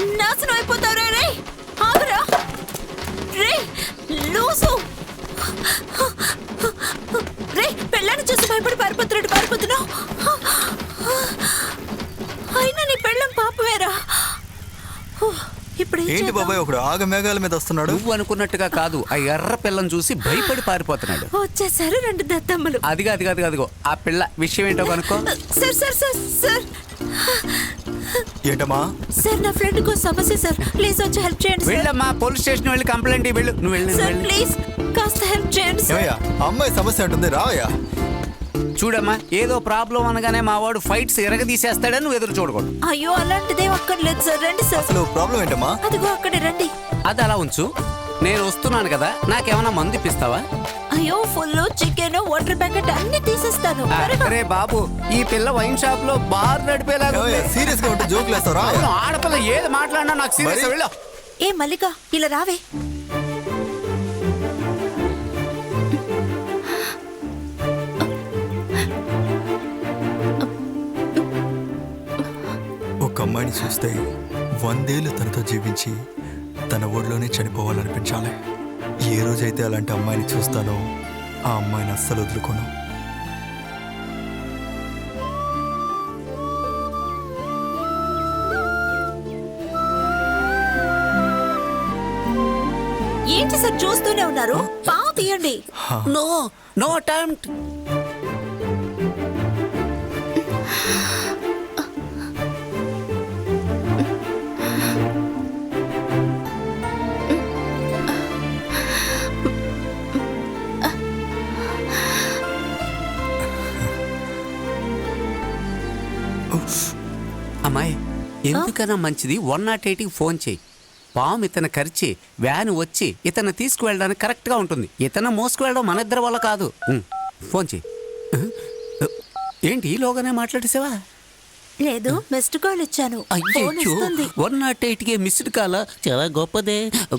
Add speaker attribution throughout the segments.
Speaker 1: నాశనం అయిపోతావురా రే. ఆగురా రే లూసు. రే పెళ్ళాన్ని చూసి భయపడి పారిపోతున్నావు. అయినా నీ పెళ్ళం పాపమేరా. ఇప్పుడు
Speaker 2: ఏంటి బాబాయ్ ఒకడు ఆగమేఘాల మీద వస్తున్నాడు?
Speaker 3: నువ్వు అనుకున్నట్టుగా కాదు, ఆ ఎర్ర పిల్లని చూసి భయపడి పారిపోతున్నాడు.
Speaker 1: వచ్చేసారు 2 దద్దమ్మలు.
Speaker 3: అదిగో ఆ పిల్ల విషయం ఏంటో కనుక్కో.
Speaker 1: సార్
Speaker 2: ఏంటమ్మా?
Speaker 1: సార్ నా ఫ్రెండ్ కో సమస్య సార్, ప్లీజ్ వచ్చి హెల్ప్ చేయండి సార్.
Speaker 3: వెళ్ళమ్మా, పోలీస్ స్టేషన్ వెళ్ళి కంప్లైంట్ వెళ్ళు. నువ్వు వెళ్ళు
Speaker 1: సార్ ప్లీజ్ కాస్త హెల్ప్ చేయండి సార్.
Speaker 2: అమ్మాయి సమస్య ఉంటుంది రావయ్యా.
Speaker 3: చూడమ్మా, ఏదో ప్రాబ్లం అనగానే మా వాడు ఫైట్స్ ఎరగదీసేస్తాడని నువ్వు ఎదురు చూడకూడదు.
Speaker 1: అయ్యో అలాంటిదే అక్కర్లేదు సార్, రండి సార్.
Speaker 2: అసలు ప్రాబ్లం ఏంటమ్మా?
Speaker 1: అదిగో అక్కడే రండి.
Speaker 3: అది అలా ఉంచు, నేను వస్తున్నాను కదా, నాకేమన్నా మందు ఇప్పిస్తావా?
Speaker 1: అయ్యో ఫుల్ చికెన్ వాటర్ ప్యాకెట్ అన్ని తీసేస్తాను.
Speaker 3: అరే బాబు, ఈ పిల్ల వైన్ షాప్ లో బార్ నడిపేలాగా
Speaker 2: సీరియస్ గా ఉంటే జోకులు వేస్తారా?
Speaker 3: ఆడపిల్ల ఏది మాట్లాడినా నాకు సీరియస్. వెళ్ళా.
Speaker 1: ఏ మల్లిక ఇలా రావే.
Speaker 2: ఒక అమ్మాయిని చూస్తే 100 ఏళ్ళు తనతో జీవించి తన ఊళ్ళోనే చనిపోవాలనిపించాలి. ఏ రోజైతే అలాంటి అమ్మాయిని చూస్తానో ఆ అమ్మాయిని అస్సలు వదులుకోను.
Speaker 1: ఏంటి సార్ చూస్తూనే ఉన్నారు? పావు తీయండి.
Speaker 3: No attempt. అమ్మాయి, ఎందుకన్నా మంచిది 108కి ఫోన్ చేయి. పాము ఇతను కరిచి వ్యాన్ వచ్చి ఇతను తీసుకువెళ్ళడానికి కరెక్ట్గా ఉంటుంది. ఇతను మోసుకువెళ్ళడం మన ఇద్దరి వల్ల కాదు. ఫోన్ చేయి. ఏంటి ఈలోగానే మాట్లాడేసావా?
Speaker 1: లేదు, మిస్డ్ కాల్ ఇచ్చాను.
Speaker 3: అయ్యో, 108కి మిస్డ్ కాల్ చాలా గొప్పదే.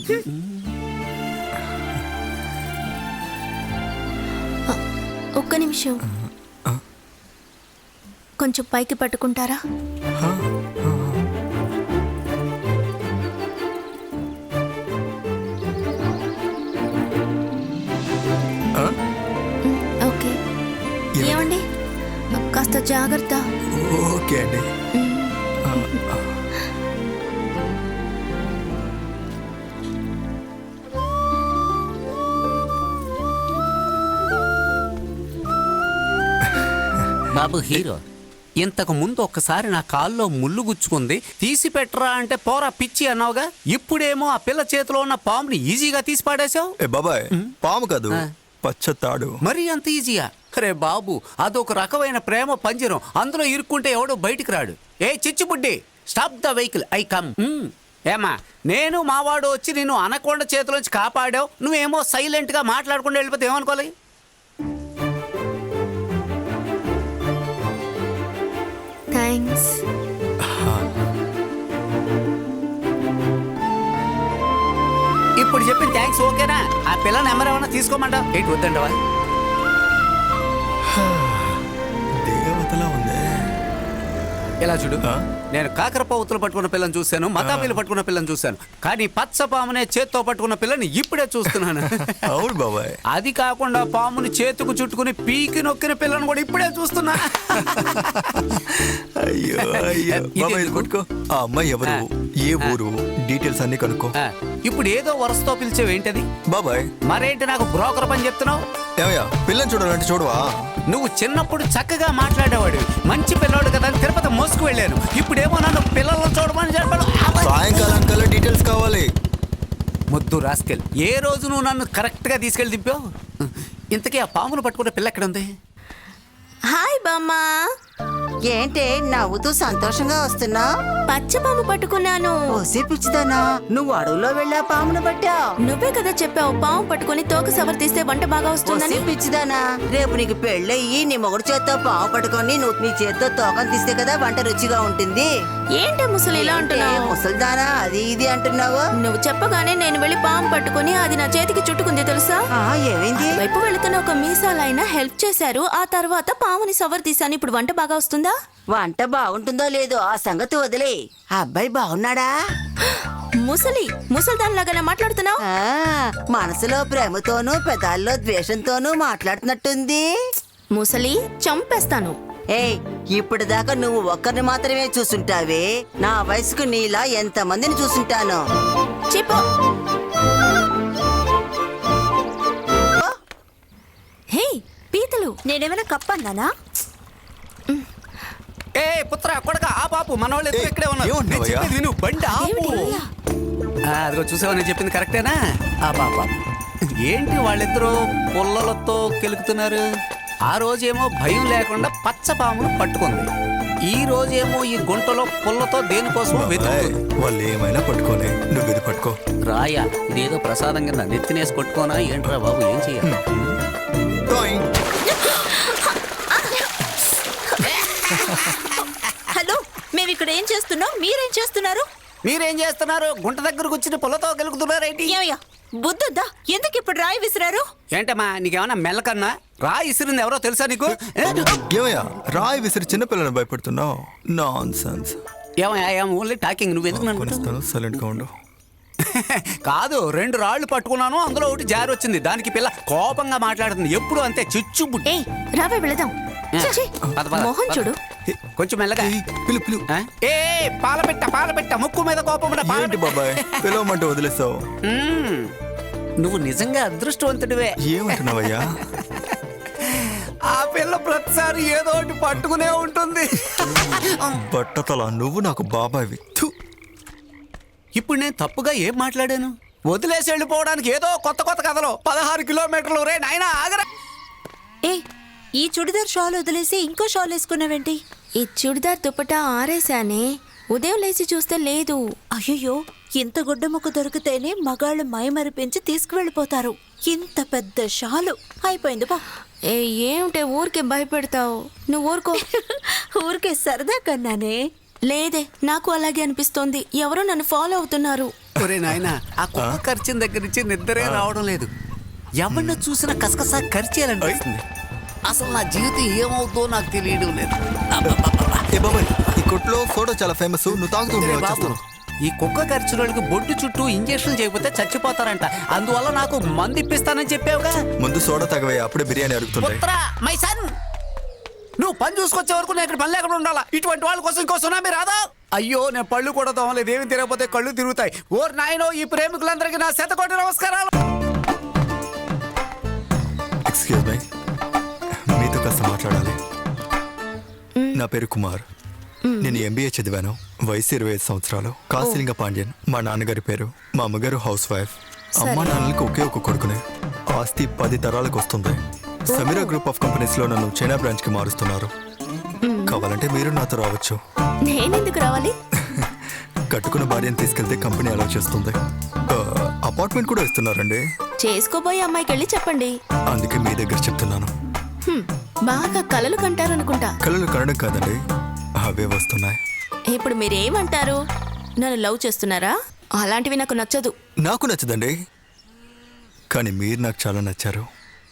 Speaker 4: ఒక్క నిమిషం, కొంచెం పైకి పట్టుకుంటారా? ఓకే. ఏమండి, కాస్త జాగ్రత్త.
Speaker 2: ఓకే అండి.
Speaker 3: బాబు హీరో, ఇంతకు ముందు ఒక్కసారి నా కాల్లో ముళ్ళు గుచ్చుకుంది, తీసి పెట్టరా అంటే పోరా పిచ్చి అన్నావుగా. ఇప్పుడేమో ఆ పిల్ల చేతిలో ఉన్న పాముని ఈజీగా తీసి పాడేశావు.
Speaker 2: బాబాయ్ పాము కాదు, పచ్చతాడు.
Speaker 3: మరి అంత ఈజీయా? అరే బాబు, అదొక రకమైన ప్రేమ పంజరం, అందులో ఇరుక్కుంటే ఎవడో బయటికి రాడు. ఏ చిచ్చుబుడ్డి, stop the vehicle, I come. ఏమా, నేను మావాడు వచ్చి నిన్ను అనకొండ చేతిలోంచి కాపాడావు, నువ్వేమో సైలెంట్ గా మాట్లాడకుండా వెళ్ళిపోతే ఏమనుకోవాలి?
Speaker 4: థ్యాంక్స్.
Speaker 3: ఇప్పుడు చెప్పిన థ్యాంక్స్ ఓకేనా? ఆ పిల్ల నెంబర్ ఏమన్నా తీసుకోమంటావు? ఏంటి వద్దంటావా?
Speaker 2: దేవతలా ఉంది.
Speaker 3: ఇలా చూడు, నేను కాకరపౌతులు పట్టుకున్న పిల్లని చూశాను, మతాబీలు పట్టుకున్న పిల్లని చూశాను, కానీ పచ్చ పామునే చేత్తో పట్టుకున్న పిల్లని ఇప్పుడే చూస్తున్నాను.
Speaker 2: అవును బాబాయ్.
Speaker 3: అది కాకుండా పాముని చేతుకు చుట్టుకుని పీకి నొక్కిన పిల్లని కూడా ఇప్పుడే చూస్తున్నా.
Speaker 2: అయ్యో అయ్యో బాబాయ్, కొట్టుకో. ఆ అమ్మాయి ఎవరు, ఏ ఊరు, డీటెయిల్స్ అన్ని కనుక్కో.
Speaker 3: ఇప్పుడు ఏదో వరుసతో పిలిచేవేంటది
Speaker 2: బాబాయ్?
Speaker 3: మరేంటి నాకు బ్రోకర్ పని చెప్తున్నావు?
Speaker 2: ఏమయ్యా, పిల్లని చూడాలంటే చూడవా?
Speaker 3: నువ్వు చిన్నప్పుడు చక్కగా మాట్లాడేవాడివి, మంచి పిల్లోడు కదా అని తిరుపతి మోసుకు వెళ్ళాను. ఇప్పుడేమో నన్ను పిల్లలను చూడమని చెప్పాడు.
Speaker 2: సాయంకాలం కల్లా డీటెయిల్స్ కావాలి.
Speaker 3: ముద్దు రాస్కెల్, ఏ రోజు నువ్వు నన్ను కరెక్ట్గా తీసుకెళ్ళి దింపావు? ఇంతకీ ఆ పామును పట్టుకునే పిల్ల ఎక్కడ ఉంది?
Speaker 4: హాయ్ బామ్మా.
Speaker 5: ఏంటే నవ్వుతూ సంతోషంగా వస్తున్నా?
Speaker 4: పచ్చపాము పట్టుకున్నాను.
Speaker 5: ఓసే పిచ్చిదానా, నువ్వు అడవుల్లో వెళ్ళా పామును పట్టా?
Speaker 4: నువ్వే కదా చెప్పావు పాము పట్టుకుని తోక సవర్ తీస్తే వంట బాగా వస్తుందని.
Speaker 5: పిచ్చిదానా, రేపు నీకు పెళ్ళయ్యి నీ మొగుడు చేత్తో పాము పట్టుకొని నువ్వు నీ చేత్తో తోకం తీస్తే కదా వంట రుచిగా ఉంటుంది.
Speaker 4: ఏంటి ముసలి ఇలా అంటున్నావు?
Speaker 5: ముసలిదానా అది ఇది అంటున్నావు?
Speaker 4: నువ్వు చెప్పగానే నేను వెళ్ళి పాము పట్టుకుని అది నా చేతికి చుట్టుకుంది తెలుసా?
Speaker 5: ఏమైంది?
Speaker 4: వైపు వెళుతున్న ఒక మీసాలైన హెల్ప్ చేశారు. ఆ తర్వాత పాముని సవర్ తీసాను. ఇప్పుడు వంట బాగా వస్తుందా?
Speaker 5: వంట బాగుంటుందో లేదో ఆ సంగతి వదిలే. అబ్బాయి బాగున్నాడా?
Speaker 4: ముసల్దానిలాగా మాట్లాడుతున్నావు.
Speaker 5: మనసులో ప్రేమతోనూ పెదాల్లో ద్వేషంతోనూ మాట్లాడుతున్నట్టుంది.
Speaker 4: ముసలి చంపేస్తాను.
Speaker 5: ఏయ్, ఇప్పుడు దాకా నువ్వు ఒక్కరిని మాత్రమే చూసుంటావే. నా వయసుకు నీలా ఎంతమందిని చూసుంటాను.
Speaker 4: చెప్పు. హే పీతలు,
Speaker 1: నేనేమైనా కప్పన్నానా?
Speaker 3: ఏ పుత్ర కొడక ఆ పాపు మన వాళ్ళు
Speaker 2: ఏయ్,
Speaker 3: ఇక్కడే ఉన్నారు.
Speaker 2: ఏమంటున్నావు
Speaker 3: నేను
Speaker 2: అయ్యా?
Speaker 3: చెప్పేది విను, బండి ఆపు. అదిగో చూసావా నేను చెప్పింది కరెక్టేనా? ఆ పాప ఏంటి వాళ్ళిద్దరూ పుల్లలతో కెలుకుతున్నారు? ఆ రోజేమో భయం లేకుండా పచ్చ పామును పట్టుకుంది, ఈ రోజేమో ఈ గుంటలో పుల్లతో దేనికోసం వెతుకుతుంది.
Speaker 2: వాళ్ళు ఏమైనా పట్టుకోనే, నువ్వు ఇది పట్టుకో.
Speaker 3: రాయా ఇదేదో ప్రసాదం కింద నెత్తినేసి కొట్టుకోనా ఏంట్రా బాబు, ఏం చెయ్యాలి?
Speaker 2: టాయింగ్.
Speaker 1: హలో, మేము ఇక్కడ ఏం చేస్తున్నాం, మీరేం చేస్తున్నారు?
Speaker 3: మీరేం చేస్తున్నారు? గుంట దగ్గరకు వచ్చిన పుల్లతో గెలుకుతున్నారేంటి?
Speaker 1: ఏమయ్యా బుద్ధుద్దా? ఎందుకు ఇప్పుడు రాయి విసిరారు?
Speaker 3: ఏంటమ్మా నీకేమన్నా మెల్లకన్నా? రా ఇసిరింది ఎవరో తెలుసా నీకు?
Speaker 2: ఏమయ్యా రాయి విసిరి చిన్నపిల్లని భయపెడుతున్నావు? Nonsense.
Speaker 3: ఏమయ్యా ఓన్లీ టాకింగ్, నువ్వెందుకు నన్ను
Speaker 2: కొనిస్తాను, సైలెంట్ గా ఉండు.
Speaker 3: కాదు, 2 రాళ్ళు పట్టుకున్నాను, అందులో ఒకటి జారి వచ్చింది. దానికి పిల్ల కోపంగా మాట్లాడుతుంది, ఎప్పుడు అంతే చిచ్చుబుడ్డి.
Speaker 4: ఏయ్ రావే వెళదాం. ఛీ,
Speaker 3: పద, పద,
Speaker 4: మోహన్
Speaker 3: పద.
Speaker 4: చూడు.
Speaker 3: కొంచెం మెల్లగా.
Speaker 2: ఏయ్, పిలు పిలు.
Speaker 3: ఆ? ఏ పాలపెట్ట ముక్కు మీద కోపం ఉన్న
Speaker 2: ఏంటి
Speaker 3: పాలపిట్ట.
Speaker 2: బాబాయ్ పిలవమంటే వదిలేస్తావు?
Speaker 3: మ్మ్. నువ్వు నిజంగా అదృష్టవంతుడివే.
Speaker 2: ఏమంటున్నావయ్యా?
Speaker 3: ఆ పిల్ల ప్రతిసారి ఏదో ఒకటి పట్టుకునే ఉంటుంది.
Speaker 2: బట్టతల నువ్వు నాకు బాబాయ్వి. థు.
Speaker 3: ఇప్పుడు నేను తప్పుగా ఏం మాట్లాడాను? వదిలేసి వెళ్ళిపోవడానికి ఏదో కొత్త కొత్త కథలు. 16 కిలోమీటర్లు రే నాయనా ఆగరా.
Speaker 1: ఏ, ఈ చుడిదార్ షాల్ వదిలేసి ఇంకో షాల్ వేసుకున్నావేంటి?
Speaker 4: ఈ చుడిదార్ దుపట్టా ఆరేశానే, ఉదయం లేచి చూస్తే లేదు.
Speaker 1: అయ్యో, ఇంత గుడ్డ ముక్క దొరికితేనే మగాళ్ళు మైమరిపించి తీసుకువెళ్ళిపోతారు. ఇంత పెద్ద షాలు అయిపోయింది బా.
Speaker 4: ఏ ఏమిటే ఊరికే భయపెడతావు? నువ్వు ఊరుకో.
Speaker 1: ఊరికే సరదా కన్నానే.
Speaker 4: లేదే, నాకు అలాగే అనిపిస్తోంది. ఎవరో నన్ను ఫాలో అవుతున్నారు.
Speaker 3: ఒరే నాయనా, ఆ కుక్క ఖర్చిన దగ్గర నుంచి నిద్రే రావడం లేదు. ఎవరిని చూసినా కసకసా ఖర్చేయాలనిపిస్తుంది. అసలు నా జీవితం ఏమవుతుందో నాకు తెలియడం లేదు. అబ్బబ్బబ్బబ్బా.
Speaker 2: ఏ బాబాయ్, ఈ కొట్లో సోడా చాలా ఫేమస్. నువ్వు తాగుతూ ఉంటే
Speaker 3: ఒరే బాబు,
Speaker 2: వచ్చేస్తాను.
Speaker 3: ఈ కుక్క ఖర్చులకు బొడ్డు చుట్టూ ఇంజక్షన్ చేయకపోతే చచ్చిపోతారంట. అందువల్ల నాకు మందు ఇప్పిస్తానని చెప్పావుగా.
Speaker 2: ముందు సోడా తగవయ్యా, అప్పుడే బిర్యానీ అడుగుతుంటాయి.
Speaker 3: పుత్రా, మై సన్, నువ్వు పని చూసుకొచ్చే వరకు నేను ఇక్కడ పని లేకుండా ఉండాలా? ఇటువంటి వాళ్ళ కోసం ఇంకో సునామీ రాదా? అయ్యో, నేను పళ్ళు కూడా తోమలేదు. ఏమి తిరగకపోతే కళ్ళు తిరుగుతాయి. ఓర్ నాయనో, ఈ ప్రేమికులందరికీ నా 100 కోట్ల నమస్కారాలు.
Speaker 2: ఎక్స్క్యూజ్ మై, మీతో కాస్త మాట్లాడాలి. నా పేరు కుమార్. నేను ఎంబీఏ చదివాను. వయసు 25 సంవత్సరాలు. కాశీలింగ పాండ్యన్ మా నాన్నగారి పేరు. మా అమ్మగారు హౌస్ వైఫ్. అమ్మా నాన్నలకి ఒకే ఒక కొడుకునే. ఆస్తి 10 తరాలకు వస్తుంది. సమీరా గ్రూప్ ఆఫ్ కంపెనీస్ లో నన్ను చైనా బ్రాంచ్ కి మారుస్తున్నారు. కావాలంటే మీరు నాతో రావచ్చు.
Speaker 4: నేనెందుకు రావాలి?
Speaker 2: కట్టుకున్న భార్యను తీసుకెళ్తే కంపెనీ అలౌ చేస్తుంది. అపార్ట్మెంట్ కూడా ఇస్తున్నారండి.
Speaker 4: చేసుకోబోయే అమ్మాయికి వెళ్ళి చెప్పండి.
Speaker 2: అందుకే మీ దగ్గర చెప్తున్నాను.
Speaker 4: బాగా కలలు కంటారనుకుంటా.
Speaker 2: కళలు కనడం కాదండి, అవే వస్తున్నాయి.
Speaker 4: ఇప్పుడు మీరేమంటారు? నన్ను లవ్ చేస్తున్నారా? అలాంటివి నాకు నచ్చదు.
Speaker 2: నాకు నచ్చదండి, కానీ మీరు నాకు చాలా నచ్చారు.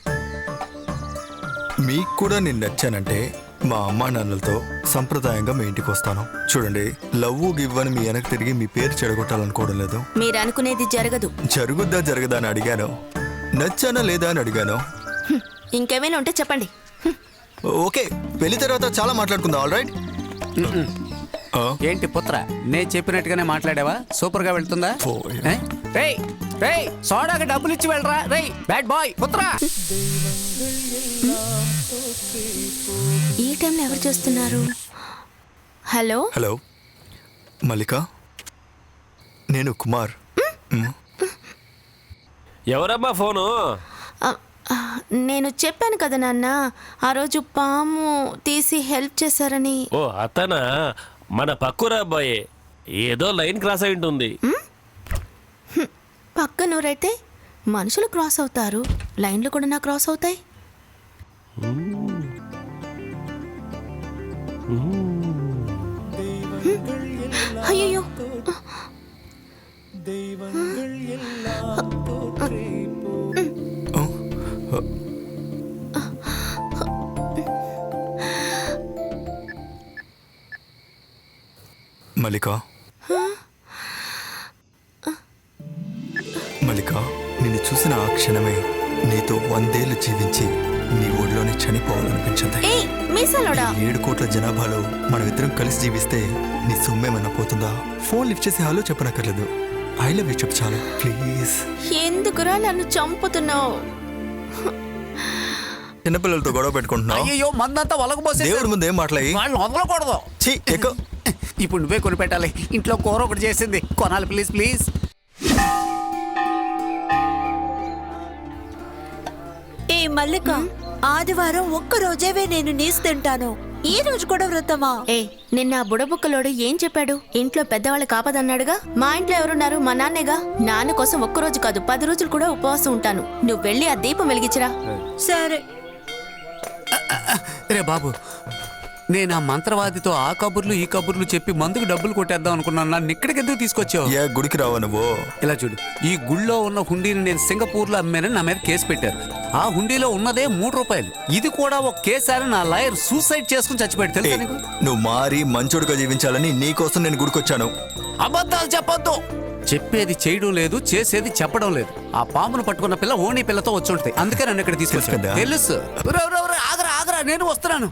Speaker 2: మీకు కూడా నేను నచ్చానంటే మా అమ్మా నాన్నలతో సంప్రదాయంగా మీ ఇంటికి వస్తాను. చూడండి, లవ్ గివ్ అని మీ వెనక్కి తిరిగి మీ పేరు చెడగొట్టాలనుకోవడం లేదు.
Speaker 4: మీరు అనుకునేది జరగదు.
Speaker 2: జరుగుద్దా జరగదా అని అడిగాను. నచ్చానా లేదా అని అడిగాను.
Speaker 4: ఇంకేమైనా ఉంటే చెప్పండి.
Speaker 2: ఓకే, పెళ్లి తర్వాత చాలా మాట్లాడుకుందాం. All right.
Speaker 3: ఏంటి పుత్ర, నేను చెప్పినట్టుగానే మాట్లాడావా? సూపర్ గా వెళ్తుందా?
Speaker 2: పోయ్.
Speaker 3: రేయ్ రేయ్, సోడాకి డబ్బులు ఇచ్చి వెళ్ళరా. రేయ్ బ్యాడ్ బాయ్ పుత్ర.
Speaker 4: ఈ టైంలో ఎవరు చేస్తున్నారు? హలో
Speaker 2: హలో మల్లిక, నేను కుమార్.
Speaker 6: ఎవరమ్మా ఫోను?
Speaker 4: ఆ, ఆ, నేను చెప్పాను కదా నాన్న, ఆ రోజు పాము తీసి హెల్ప్ చేశారని.
Speaker 6: ఓ అతనా? మన పక్కురా అబ్బాయి. ఏదో లైన్ క్రాస్ అయి ఉంటుంది.
Speaker 4: పక్క నూరైతే మనుషులు క్రాస్ అవుతారు, లైన్లు కూడా నా క్రాస్ అవుతాయి. అయ్యో,
Speaker 2: మల్లిక, చూసిన ఆ క్షణమే నీతో 100 ఏళ్ళు జీవించి నీ ఒడిలోనే చనిపోవాలనిపించింది.
Speaker 4: ఏ మీసాలోడా
Speaker 2: 7 కోట్ల జనాభాలో మనమిద్దరం కలిసి జీవిస్తే నీ సొమ్మేమన్నా పోతుందా? ఫోన్ లిఫ్ట్ చేసి హలో చెప్పనక్కర్లేదు, ఐ లవ్ యూ చెప్పు చాలు ప్లీజ్.
Speaker 4: ఎందుకురా నన్ను చంపుతున్నావు?
Speaker 2: చిన్నపిల్లలతో గొడవ పెట్టుకుంటున్నావు.
Speaker 3: అయ్యో మందంతా ఒలగబోసే
Speaker 2: దేవుడి ముందు ఏం మాట్లాడి
Speaker 3: వాళ్ళు వదలకూడదు.
Speaker 2: ఎక్కువ
Speaker 3: ఇప్పుడు నువ్వే కొని పెట్టాలి. ఇంట్లో కూర ఒకటి చేసింది, కొనాలి ప్లీజ్ ప్లీజ్.
Speaker 1: ఏ మల్లిక, ఆదివారం ఒక్క రోజేవే నేను నీసు తింటాను, ఈ రోజు కూడా వ్రతమా?
Speaker 4: ఏ నిన్న ఆ బుడబుక్కలోడు ఏం చెప్పాడు? ఇంట్లో పెద్దవాళ్ళు కాపదన్నాడుగా. మా ఇంట్లో ఎవరున్నారు? మా నాన్నేగా. నాన్న కోసం ఒక్కరోజు కాదు 10 రోజులు కూడా ఉపవాసం ఉంటాను. నువ్వు వెళ్ళి ఆ దీపం వెలిగించరా.
Speaker 1: సరే.
Speaker 3: రే బాబు, నేను ఆ మంత్రవాదితో ఆ కబుర్లు ఈ కబుర్లు చెప్పి మందుకు డబ్బులు కొట్టేద్దాం అనుకున్నాను. నన్ను ఇక్కడికి ఎందుకు తీసుకొచ్చావు?
Speaker 2: ఏ గుడికి రావా నువ్వు?
Speaker 3: ఇలా చూడు, ఈ గుళ్ళో ఉన్న హుండీని నేను సింగపూర్లో అమ్మానని నా మీద కేసు పెట్టారు. ఆ హుండీలో ఉన్నదే 3 రూపాయలు. ఇది కూడా ఒక కేసు అని నా లాయర్ సూసైడ్ చేసుకుని చచ్చిపోయాడు, తెలుసా నీకు?
Speaker 2: నువ్వు మారి మంచోడుగా జీవించాలని నీ కోసం నేను గుడికొచ్చాను.
Speaker 3: అబద్ధాలు చెప్పొద్దు. చెప్పేది చేయడం లేదు, చేసేది చెప్పడం లేదు. ఆ పామును పట్టుకున్న పిల్ల ఓణి పిల్లతో వచ్చి ఉంటుంది, అందుకే నన్ను ఇక్కడ తీసుకొచ్చాను.
Speaker 2: కదా?
Speaker 3: తెలుసు. ఆగరా ఆగరా, నేను వస్తున్నాను.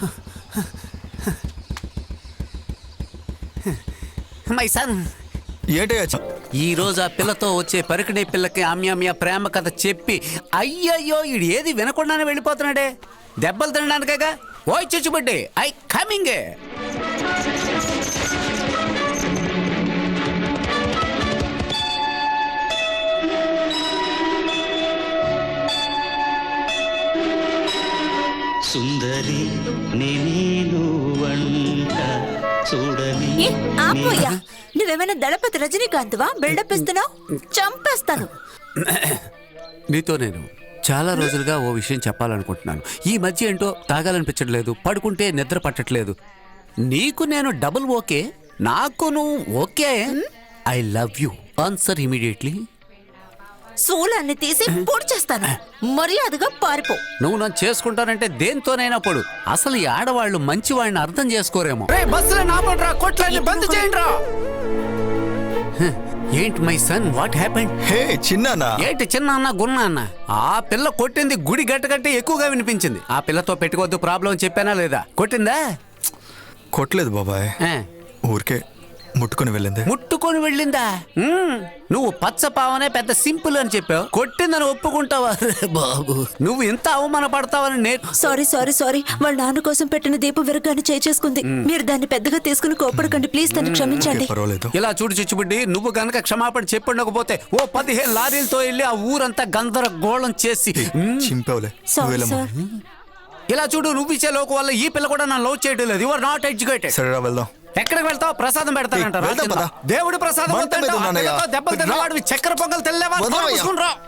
Speaker 3: మై సన్,
Speaker 2: ఏంటయ్యా
Speaker 3: ఈ రోజు ఆ పిల్లతో వచ్చే పరికిణీ పిల్లకి ఆమ్యామ్య ప్రేమ కథ చెప్పి అయ్యయ్యో ఈడు ఏది వినకుండానే వెళ్ళిపోతున్నాడే. దెబ్బలు తినడానికేగా. ఓయ్ చిచ్చుబడ్డి, ఐ కమింగ్.
Speaker 7: సుందరి నేను వంట చూడని
Speaker 1: ఏ ఆపోయా, నువ్వేమైనా దళపతి రజనీకాంత్వా? బిల్డప్ ఇస్తున్నావు, చంపేస్తాను.
Speaker 3: నీతో నేను చాలా రోజులుగా ఓ విషయం చెప్పాలనుకుంటున్నాను. ఈ మధ్య ఏంటో తాగాలనిపించట్లేదు, పడుకుంటే నిద్ర పట్టట్లేదు. నీకు నేను డబుల్ ఓకే, నాకు నువ్వు okay. I love you. Answer immediately.
Speaker 1: శూలాన్ని తీసి పొడి చేస్తాను, మర్యాదగా పారిపో.
Speaker 3: నువ్వు నన్ను చేసుకుంటానంటే దేంతోనైనా పడు. అసలు ఈ ఆడవాళ్ళు మంచి వాడిని అర్థం చేసుకోరేమో. ఏంటి my son, what happened?
Speaker 2: Hey చిన్నానా?
Speaker 3: ఏంటి చిన్న అన్న గున్న అన్న? ఆ పిల్ల కొట్టింది గుడి గట్టగట్టే ఎక్కువగా వినిపించింది. ఆ పిల్లతో పెట్టుకోవద్దు ప్రాబ్లం చెప్పానా లేదా? కొట్టిందా?
Speaker 2: కొట్టలేదు బాబాయ్, ఊరికే ముట్టుకొని వెళ్ళింది.
Speaker 3: ముట్టుకొని వెళ్ళిందా? నువ్వు పచ్చపావనే పెద్ద సింపుల్ అని చెప్పావు, కొట్టిందని ఒప్పుకుంటావా? బాబు, నువ్వు ఇంత అవమాన పడతావని నేను.
Speaker 1: సారీ సారీ సారీ, వాళ్ళ నాన్న కోసం పెట్టిన దీపం విరగాన్ని చేసుకుంది. మీరు దాన్ని పెద్దగా తీసుకుని కోపడకండి ప్లీజ్, తను క్షమించండి.
Speaker 2: పర్వాలేదు.
Speaker 3: ఇలా చూడు చిచ్చుబుడ్డి, నువ్వు గనక క్షమాపణ చెప్పుండకపోతే ఓ 15 లారీలతో వెళ్ళి ఆ ఊరంతా గందరగోళం చేసి
Speaker 2: చింపావులే.
Speaker 1: Sorry sir.
Speaker 3: ఇలా చూడు, నువ్వు ఇచ్చే లోకు వల్ల ఈ పిల్ల కూడా నన్ను లవ్ చేయడం లేదు. You are not educated.
Speaker 2: సరేరా వెళ్దాం.
Speaker 3: ఎక్కడికి వెళ్తావు? ప్రసాదం పెడతానంటారా?
Speaker 2: వెళ్దాం పద.
Speaker 3: దేవుడి ప్రసాదం
Speaker 2: మంట మీద ఉన్నానయ్యా.
Speaker 3: దెబ్బలు తిన్నవాడివి చక్కెర పొంగల్ తెల్లేవా?
Speaker 2: వదలవయ్యా.